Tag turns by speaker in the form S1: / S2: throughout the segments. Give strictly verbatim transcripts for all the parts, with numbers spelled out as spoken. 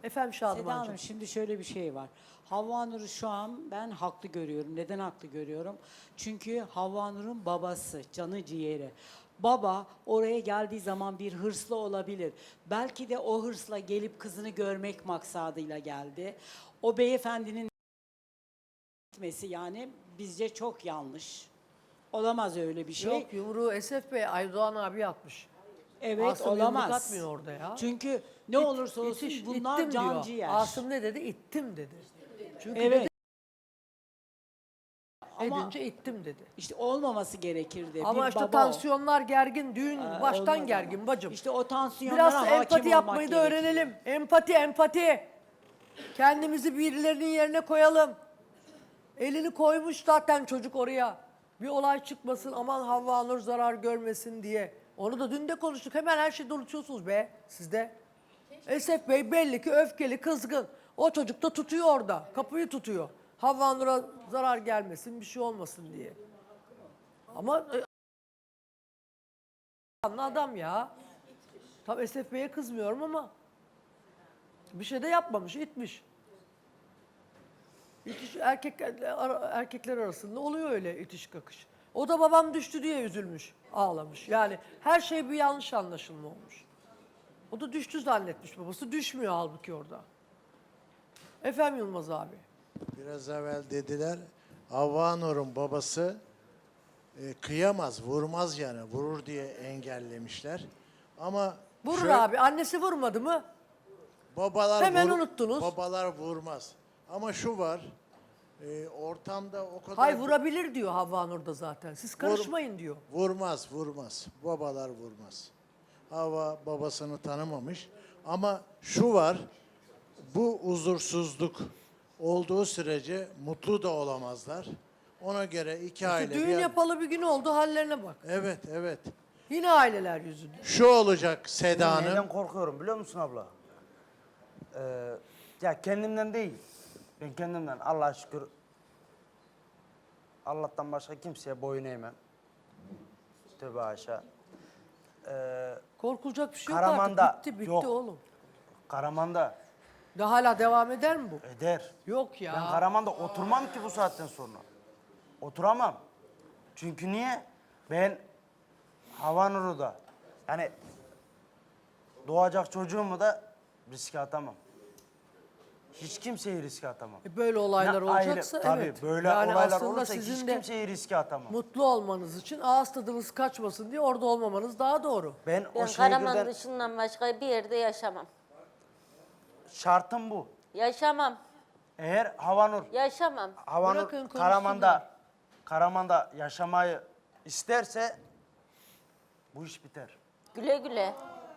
S1: Efendim
S2: Seda
S1: Şadımancığım.
S2: Hanım, şimdi şöyle bir şey var. Havva Nur'u şu an ben haklı görüyorum. Neden haklı görüyorum? Çünkü Havva Nur'un babası, canı ciğeri. Baba oraya geldiği zaman bir hırslı olabilir. Belki de o hırsla gelip kızını görmek maksadıyla geldi. O beyefendinin gitmesi yani bizce çok yanlış. Olamaz öyle bir şey.
S1: Yok, yumruğu Esef Bey Aydoğan abi atmış.
S2: Evet,
S1: Asım yumruk
S2: olamaz.
S1: atmıyor orada ya.
S2: Çünkü ne
S1: İt-
S2: olursa olsun
S1: itiş,
S2: bunlar
S1: ittim
S2: can
S1: diyor.
S2: ciğer.
S1: Asım ne dedi? İttim dedi. Çünkü
S2: Evet.
S1: dedi,
S2: Ama
S1: edince ittim dedi.
S2: işte olmaması gerekirdi.
S1: Ama
S2: bir
S1: işte
S2: baba o.
S1: tansiyonlar gergin, düğün
S2: Ee,
S1: baştan
S2: olmaz
S1: gergin
S2: ama.
S1: bacım.
S2: İşte o tansiyonlara
S1: Biraz
S2: hakim
S1: empati
S2: olmak
S1: yapmayı da
S2: gerekiyor.
S1: öğrenelim. Empati, empati. Kendimizi birilerinin yerine koyalım. Elini koymuş zaten çocuk oraya. Bir olay çıkmasın, aman Havva Nur zarar görmesin diye. Onu da dün de konuştuk. Hemen her şeyi unutuyorsunuz be sizde. Esef Bey belli ki öfkeli, kızgın. O çocuk da tutuyor orada. Kapıyı tutuyor. Havva Nur'a zarar gelmesin, bir şey olmasın diye. Ama e, adam ya. Tam Esef Bey'e kızmıyorum ama bir şey de yapmamış, itmiş. İtiş, erkek, erkekler arasında oluyor öyle itiş kakış. O da babam düştü diye üzülmüş, ağlamış. Yani her şey bir yanlış anlaşılma olmuş. O da düştü zannetmiş babası. Düşmüyor halbuki orada. Efendim Yılmaz abi.
S3: Biraz evvel dediler, Havva Nur'un babası e, kıyamaz, vurmaz yani, vurur diye engellemişler. Ama
S1: Vurur
S3: şöyle-
S1: abi. Annesi vurmadı mı?
S3: babalar
S1: Hemen
S3: vur-
S1: unuttunuz.
S3: Babalar vurmaz. Ama şu var, e, ortamda o kadar...
S1: Hay vurabilir diyor Havva Nur da zaten. Siz karışmayın diyor.
S3: Vurmaz, vurmaz. Babalar vurmaz. Havva babasını tanımamış. Ama şu var, bu huzursuzluk olduğu sürece mutlu da olamazlar. Ona göre iki
S1: İşte
S3: aile...
S1: düğün
S3: bir-
S1: yapalı bir gün oldu, hallerine bak.
S3: Evet, evet.
S1: Yine aileler yüzünden.
S3: Şu olacak Seda
S4: Ben
S3: Hanım.
S4: neyden korkuyorum biliyor musun abla? Ee, ya kendimden değil. Ben kendimden Allah'a şükür Allah'tan başka kimseye boyun eğmem. Tövbe haşa. Ee,
S1: Korkulacak bir şey yok
S4: Karaman'da
S1: artık. Bitti bitti
S4: yok.
S1: oğlum.
S4: Karaman'da
S1: De hala devam eder mi bu?
S4: eder.
S1: Yok ya.
S4: Ben Karaman'da oturmam ki bu saatten sonra. Oturamam. Çünkü niye? Ben Havva Nur'u da yani doğacak çocuğumu da riske atamam. Hiç kimseyi riske atamam.
S1: E böyle olaylar
S4: Ne aile-
S1: olacaksa
S4: tabii,
S1: evet.
S4: böyle
S1: Yani
S4: olaylar
S1: aslında
S4: olursa
S1: sizin
S4: hiç
S1: de
S4: kimseyi riske atamam.
S1: mutlu olmanız için ağız tadınız kaçmasın diye orada olmamanız daha doğru.
S4: Ben,
S5: Ben
S4: o
S5: Karaman
S4: şehirden
S5: dışından başka bir yerde yaşamam.
S4: şartım bu.
S5: Yaşamam.
S4: Eğer Havanur,
S5: Yaşamam.
S4: Havanur
S1: Bırakın konuşsunlar.
S4: Karaman'da Karaman'da yaşamayı isterse bu iş biter.
S5: Güle güle.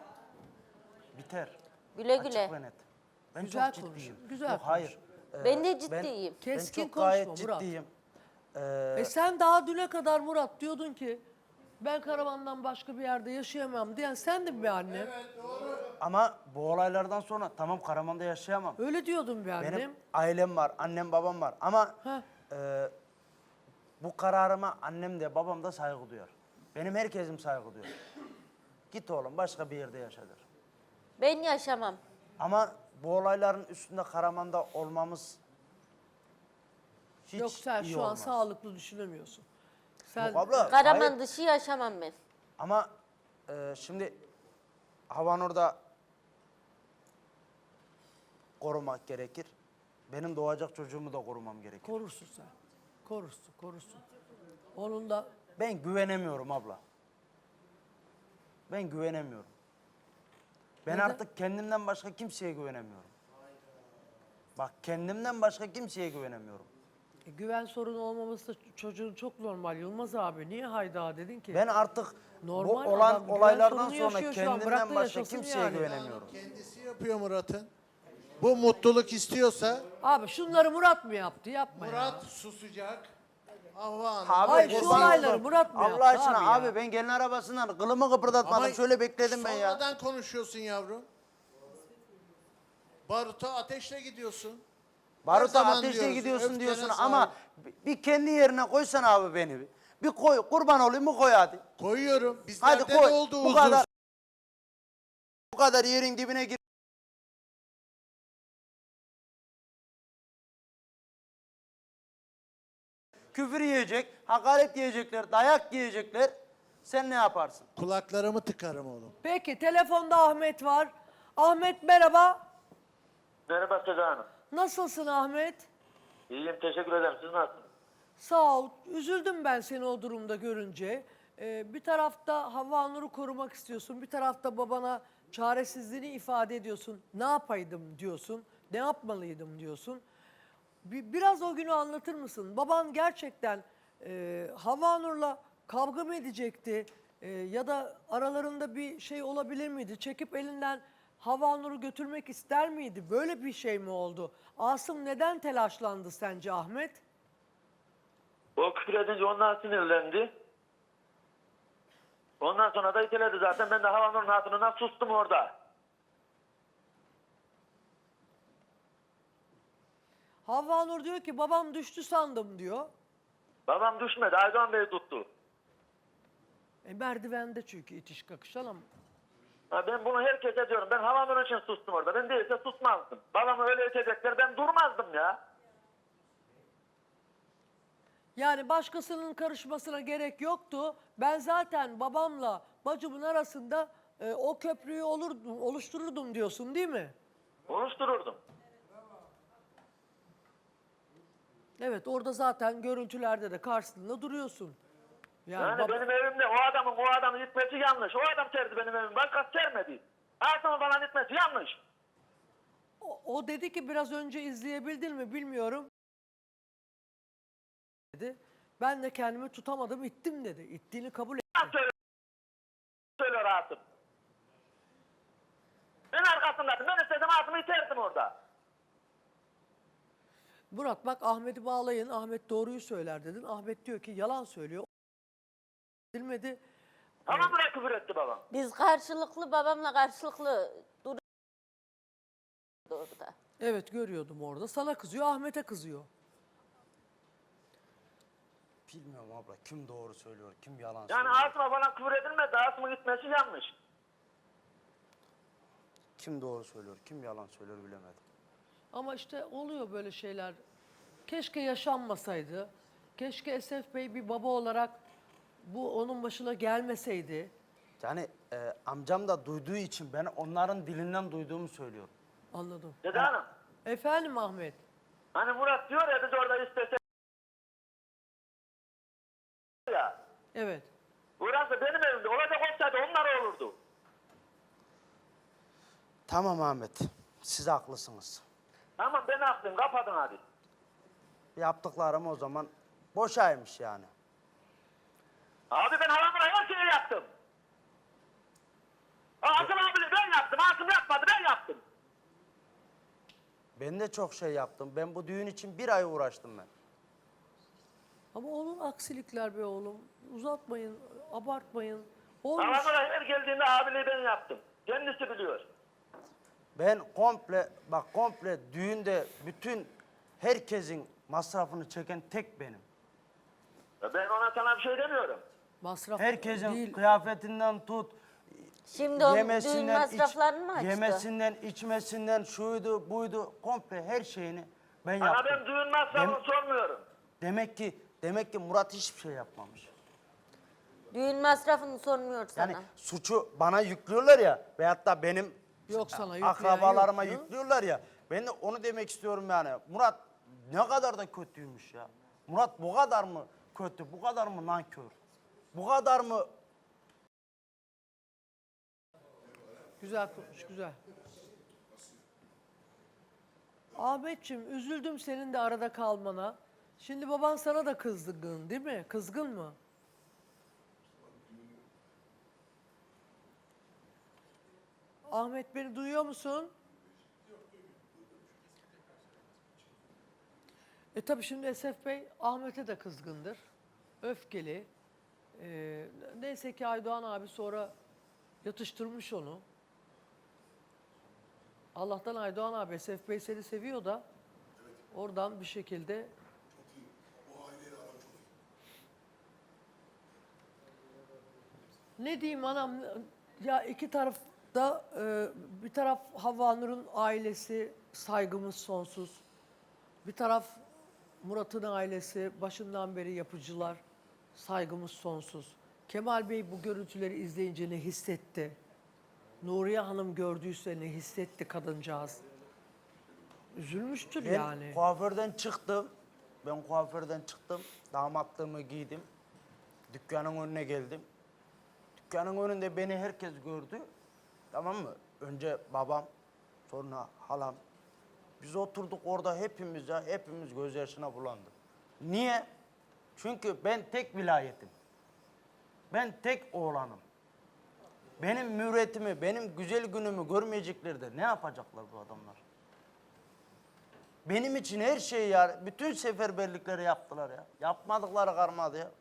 S4: Biter.
S5: Güle
S4: Açık
S5: güle.
S4: ve net. Ben
S1: Güzel
S4: çok
S1: konuşun,
S4: ciddiyim.
S1: güzel
S4: Yok, hayır. Ee,
S5: Ben de ciddiyim.
S4: Ben,
S1: Keskin
S4: ben çok gayet
S1: konuşma Murat.
S4: ciddiyim. Ee,
S1: E sen daha düne kadar Murat diyordun ki ben Karaman'dan başka bir yerde yaşayamam diyen sendin be annem.
S4: ama bu olaylardan sonra tamam Karaman'da yaşayamam.
S1: Öyle diyordun be annem.
S4: Benim ailem var, annem babam var ama
S1: Heh.
S4: e, bu kararıma annem de babam da saygı duyar. Benim herkesim saygı duyar. Git oğlum başka bir yerde yaşadır.
S5: Ben yaşamam.
S4: Ama bu olayların üstünde Karaman'da olmamız hiç
S1: Yok sen
S4: iyi
S1: şu an
S4: olmaz.
S1: sağlıklı düşünemiyorsun. Sen
S4: Yok abla,
S5: Karaman
S4: hayır.
S5: dışı yaşamam ben.
S4: Ama e, şimdi Havanur'da korumak gerekir. Benim doğacak çocuğumu da korumam gerekir.
S1: korursun sen. Korursun, korursun. Onun da
S4: Ben güvenemiyorum abla. Ben güvenemiyorum. Ben
S1: Neden?
S4: artık kendimden başka kimseye güvenemiyorum. Bak kendimden başka kimseye güvenemiyorum.
S1: e, güven sorunu olmaması da çocuğun çok normal Yılmaz abi. Niye hayda dedin ki?
S4: Ben artık
S1: Normal
S4: bu olan
S1: adam, güven
S4: olaylardan
S1: sorunu
S4: sonra
S1: yaşıyor şu an. Bırak
S4: kendimden
S1: da
S4: başka
S1: yaşasın
S4: kimseye
S1: yani.
S4: güvenemiyorum.
S3: Kendisi yapıyor Murat'ın. Bu mutluluk istiyorsa
S1: Abi şunları Murat mı yaptı? Yapma ya.
S3: Murat susacak. Havva Hanım.
S4: Abi,
S1: Hayır, şu
S4: kurban
S1: olayları
S4: oldum.
S1: Murat mı
S4: Allah
S1: yaptı
S4: aşkına
S1: abi ya?
S4: abi, ben gelin arabasından kılımı kıpırdatmadım.
S3: Ama
S4: Şöyle bekledim ben ya.
S3: Sonradan konuşuyorsun yavrum. Baruta ateşle gidiyorsun. Her
S4: Baruta
S3: zaman
S4: ateşle
S3: diyoruz,
S4: gidiyorsun
S3: öfkene
S4: diyorsun
S3: sahip.
S4: ama bir- bir kendi yerine koysan abi beni. bir. Bir koy, kurban olayım mı koy hadi.
S3: Koyuyorum.
S4: Hadi
S3: Bizlerde
S4: koy.
S3: de oldu
S4: Bu
S3: huzur.
S4: kadar, bu kadar yerin dibine gir. küfür yiyecek, hakaret yiyecekler, dayak yiyecekler. Sen ne yaparsın?
S3: Kulaklarımı tıkarım oğlum.
S1: Peki telefonda Ahmet var. Ahmet merhaba.
S6: Merhaba Seda Hanım.
S1: Nasılsın Ahmet?
S6: İyiyim, teşekkür ederim. Siz nasılsınız?
S1: Sağ ol. Üzüldüm ben seni o durumda görünce. Ee, bir tarafta Havva Nur'u korumak istiyorsun. Bir tarafta babana çaresizliğini ifade ediyorsun. Ne yapaydım diyorsun. Ne yapmalıydım diyorsun. Bir, biraz o günü anlatır mısın? Baban gerçekten e, Havva Nur'la kavga mı edecekti? E, ya da aralarında bir şey olabilir miydi? Çekip elinden Havva Nur'u götürmek ister miydi? Böyle bir şey mi oldu? Asım neden telaşlandı sence Ahmet?
S6: O küfür edince ondan sinirlendi. Ondan sonra da iteledi zaten. Ben de havanın hatırına sustum orada.
S1: Havva Nur diyor ki babam düştü sandım diyor.
S6: Babam düşmedi. Aydoğan Bey tuttu.
S1: E, merdivende çünkü itiş kakışan ama.
S6: Ha, ben bunu herkese diyorum. Ben havanın için sustum orada. Ben değilse susmazdım. Babamı öyle itecekler. Ben durmazdım ya.
S1: Yani başkasının karışmasına gerek yoktu. Ben zaten babamla bacımın arasında e, o köprüyü olurdum, oluştururdum diyorsun değil mi?
S6: Konuştururdum.
S1: Evet orada zaten görüntülerde de karşısında duruyorsun. Yani,
S6: Yani
S1: bab-
S6: benim evimde o adamın o adamı itmesi yanlış. O adam serdi benim evimi. Başkası sermedi. Asım'ı bana itmesi yanlış.
S1: o, o dedi ki biraz önce izleyebildin mi bilmiyorum. Dedi. Ben de kendimi tutamadım ittim dedi. İttiğini kabul et.
S6: Yalan söylüyor, söylüyor Asım. Ben arkasındaydım. Ben istesem Asım'ı iterdim orada.
S1: Murat bak Ahmet'i bağlayın. Ahmet doğruyu söyler dedin. Ahmet diyor ki yalan söylüyor. Edilmedi.
S6: Ama bırak küfür etti babam.
S5: Biz karşılıklı babamla karşılıklı duruyoruz orada.
S1: Evet görüyordum orada. Sana kızıyor, Ahmet'e kızıyor.
S4: Bilmiyorum abla kim doğru söylüyor, kim yalan
S6: Yani
S4: söylüyor.
S6: Asım'a bana küfür edilmedi. Asım'ın gitmesi yanlış.
S4: Kim doğru söylüyor, kim yalan söylüyor bilemedim.
S1: Ama işte oluyor böyle şeyler. Keşke yaşanmasaydı. Keşke Esef Bey bir baba olarak bu onun başına gelmeseydi.
S4: Yani e, amcam da duyduğu için ben onların dilinden duyduğumu söylüyorum.
S1: Anladım.
S6: Dede Hanım.
S1: Efendim Ahmet.
S6: Hani Murat diyor ya biz orada istesek ya.
S1: Evet.
S6: Burası benim evimde. Olacak olsaydı onlar olurdu.
S4: Tamam Ahmet, siz haklısınız.
S6: Tamam ben haklıyım. Kapatın hadi.
S4: Yaptıklarım o zaman boşaymış yani.
S6: Abi ben halamına her şeyi yaptım. Asım abi ben yaptım. Asım yapmadı ben yaptım.
S4: Ben de çok şey yaptım. Ben bu düğün için bir ay uğraştım ben.
S1: Ama onun aksilikler be oğlum. Uzatmayın, abartmayın. Olmuş.
S6: Halamına her geldiğinde abiliği ben yaptım. Kendisi biliyor.
S4: Ben komple, bak komple düğünde bütün herkesin masrafını çeken tek benim.
S6: Ya ben ona sana bir şey demiyorum.
S1: Masraf
S4: Herkesin
S1: değil.
S4: kıyafetinden tut,
S5: Şimdi o düğün
S4: yemesinden, iç-
S5: masraflarını mı açtı?
S4: yemesinden, içmesinden, şuydu, buydu, komple her şeyini ben
S6: Ana
S4: yaptım.
S6: ben düğün masrafını
S4: Dem-
S6: sormuyorum.
S4: Demek ki, demek ki Murat hiçbir şey yapmamış.
S5: Düğün masrafını sormuyor sana.
S4: Yani suçu bana yüklüyorlar ya veyahut da benim
S1: Yok sana yükleyen
S4: akrabalarıma
S1: yok ya.
S4: yüklüyorlar ya. Ben de onu demek istiyorum yani. Murat ne kadar da kötüymüş ya. Murat bu kadar mı kötü, bu kadar mı nankör? Bu kadar mı
S1: Güzel konuş, güzel. Ahmetciğim üzüldüm senin de arada kalmana. Şimdi baban sana da kızgın değil mi? Kızgın mı? Ahmet beni duyuyor musun? E tabii şimdi Esef Bey Ahmet'e de kızgındır. Öfkeli. Ee, neyse ki Aydoğan abi sonra yatıştırmış onu. Allah'tan Aydoğan abi Esef Bey seni seviyor da oradan bir şekilde ne diyeyim anam ya iki tarafta e, bir taraf Havva Nur'un ailesi saygımız sonsuz. Bir taraf Murat'ın ailesi başından beri yapıcılar. Saygımız sonsuz. Kemal Bey bu görüntüleri izleyince ne hissetti? Nuriye Hanım gördüyse ne hissetti kadıncağız? Üzülmüştür
S4: Ben
S1: yani.
S4: kuaförden çıktım. Ben kuaförden çıktım. Damatlığımı giydim. Dükkanın önüne geldim. Dükkanın önünde beni herkes gördü. Tamam mı? Önce babam, sonra halam. Biz oturduk orada hepimiz ya, hepimiz gözyaşına bulandık. Niye? Çünkü ben tek vilayetim. Ben tek oğlanım. Benim mürüvvetimi, benim güzel günümü görmeyecekler de ne yapacaklar bu adamlar? Benim için her şeyi ya, bütün seferberlikleri yaptılar ya. Yapmadıkları kalmadı ya.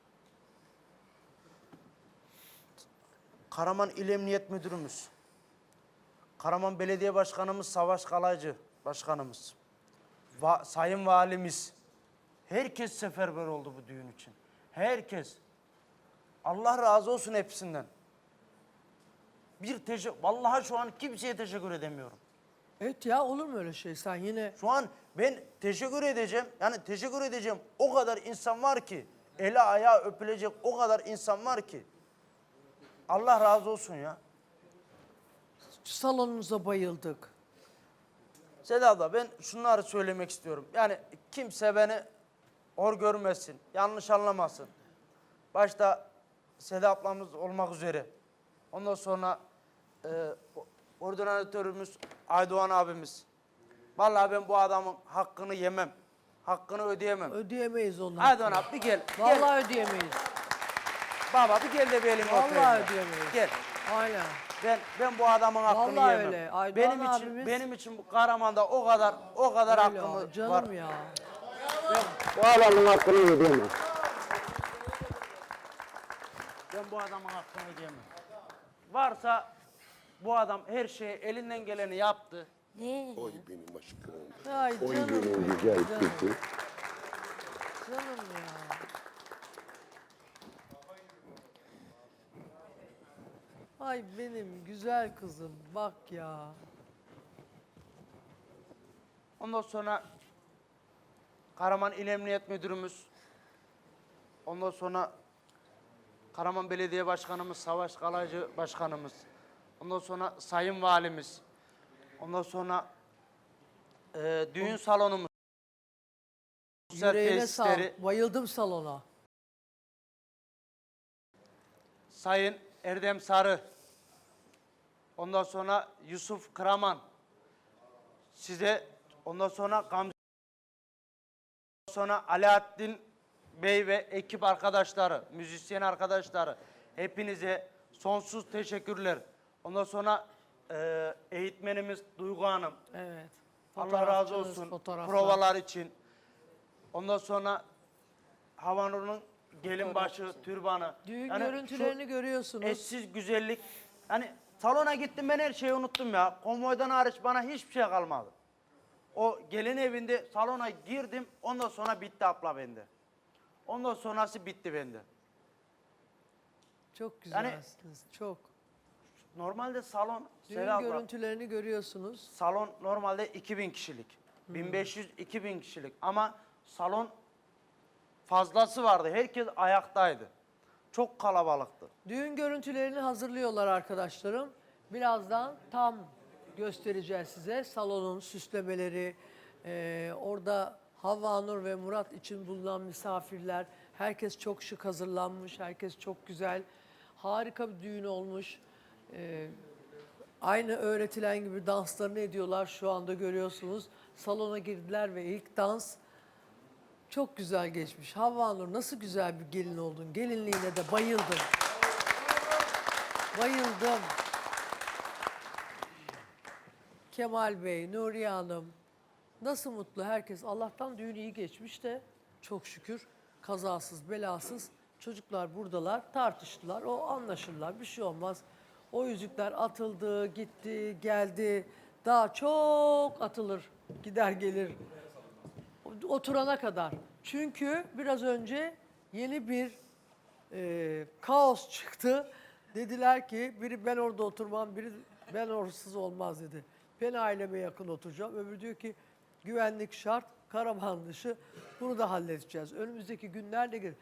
S4: Karaman İl Emniyet Müdürümüz, Karaman Belediye Başkanımız Savaş Kalaycı Başkanımız, Va Sayın Valimiz, herkes seferber oldu bu düğün için. Herkes. Allah razı olsun hepsinden. Bir teşekkür, vallahi şu an kimseye teşekkür edemiyorum.
S1: Evet ya, olur mu öyle şey? Sen yine
S4: Şu an ben teşekkür edeceğim, yani teşekkür edeceğim o kadar insan var ki, eli ayağı öpülecek o kadar insan var ki. Allah razı olsun ya.
S1: salonunuza bayıldık.
S4: Seda abla ben şunları söylemek istiyorum. Yani kimse beni hor görmesin, yanlış anlamasın. Başta Seda ablamız olmak üzere. Ondan sonra e, ordinatörümüz Aydoğan abimiz. Vallahi ben bu adamın hakkını yemem. Hakkını ödeyemem.
S1: Ödeyemeyiz onları.
S4: Aydoğan abi bir gel. Gel.
S1: Vallahi ödeyemeyiz.
S4: Baba bir gel de bir elimi öpeyim
S1: Vallahi
S4: ya.
S1: ödeyemeyiz.
S4: Gel.
S1: Aynen.
S4: Ben ben bu adamın hakkını
S1: Vallahi
S4: yemem.
S1: öyle. Aydoğan
S4: benim için
S1: abimiz-
S4: benim için bu Karaman'da o kadar o kadar
S1: Öyle
S4: hakkımı
S1: ya, canım
S4: var.
S1: ya.
S7: Bu adamın hakkını ödeyemem.
S4: Ben bu adamın hakkını ödeyemem. Varsa bu adam her şeyi elinden geleni yaptı.
S5: Ne?
S7: Oy benim aşkım.
S1: Ay
S7: Oy
S1: canım.
S7: benim güzel
S1: Canım.
S7: kızım.
S1: Canım ya. Ay benim güzel kızım, bak ya.
S4: Ondan sonra Karaman İl Emniyet Müdürümüz, ondan sonra Karaman Belediye Başkanımız Savaş Kalaycı Başkanımız, ondan sonra Sayın Valimiz, ondan sonra e, düğün salonumuz, sosyal
S1: Yüreğine
S4: tesisleri,
S1: sağlık. Bayıldım salona.
S4: Sayın Erdem Sarı, ondan sonra Yusuf Karaman, size ondan sonra Gamze, sonra Alaaddin Bey ve ekip arkadaşları, müzisyen arkadaşları, hepinize sonsuz teşekkürler. Ondan sonra e, eğitmenimiz Duygu Hanım,
S1: Evet.
S4: Allah razı
S1: Fotoğrafçınız,
S4: olsun
S1: fotoğraflar.
S4: provalar için. Ondan sonra Havanur'un gelin başı, türbanı.
S1: Düğün
S4: Yani
S1: görüntülerini
S4: şu
S1: görüyorsunuz.
S4: eşsiz güzellik. Hani salona gittim ben her şeyi unuttum ya. Konvoydan hariç bana hiçbir şey kalmadı. O gelin evinde salona girdim ondan sonra bitti abla bende. Ondan sonrası bitti bende.
S1: Çok
S4: Yani-
S1: güzelsiniz, çok.
S4: Normalde salon,
S1: Düğün
S4: Seda abla,
S1: görüntülerini görüyorsunuz.
S4: salon normalde iki bin kişilik. bin beş yüz iki bin kişilik ama salon fazlası vardı. Herkes ayaktaydı. Çok kalabalıktı.
S1: Düğün görüntülerini hazırlıyorlar arkadaşlarım. Birazdan tam göstereceğiz size. Salonun süslemeleri, eee, orada Havva Nur ve Murat için bulunan misafirler. Herkes çok şık hazırlanmış, herkes çok güzel. Harika bir düğün olmuş. Eee, aynı öğretilen gibi danslarını ediyorlar, şu anda görüyorsunuz. Salona girdiler ve ilk dans çok güzel geçmiş. Havva Nur, nasıl güzel bir gelin oldun. Gelinliğine de bayıldım. Bayıldım. Kemal Bey, Nuriye Hanım, nasıl mutlu herkes. Allah'tan düğün iyi geçmiş de çok şükür kazasız belasız. Çocuklar buradalar, tartıştılar, o anlaşırlar, bir şey olmaz. O yüzükler atıldı, gitti, geldi. Daha çok atılır, gider gelir. Oturana kadar. Çünkü biraz önce yeni bir e, kaos çıktı. Dediler ki biri ben orada oturmam, biri ben orsuz olmaz dedi. Ben aileme yakın oturacağım. Öbürü diyor ki güvenlik şart, karavan dışı bunu da halledeceğiz. Önümüzdeki günlerde gelir.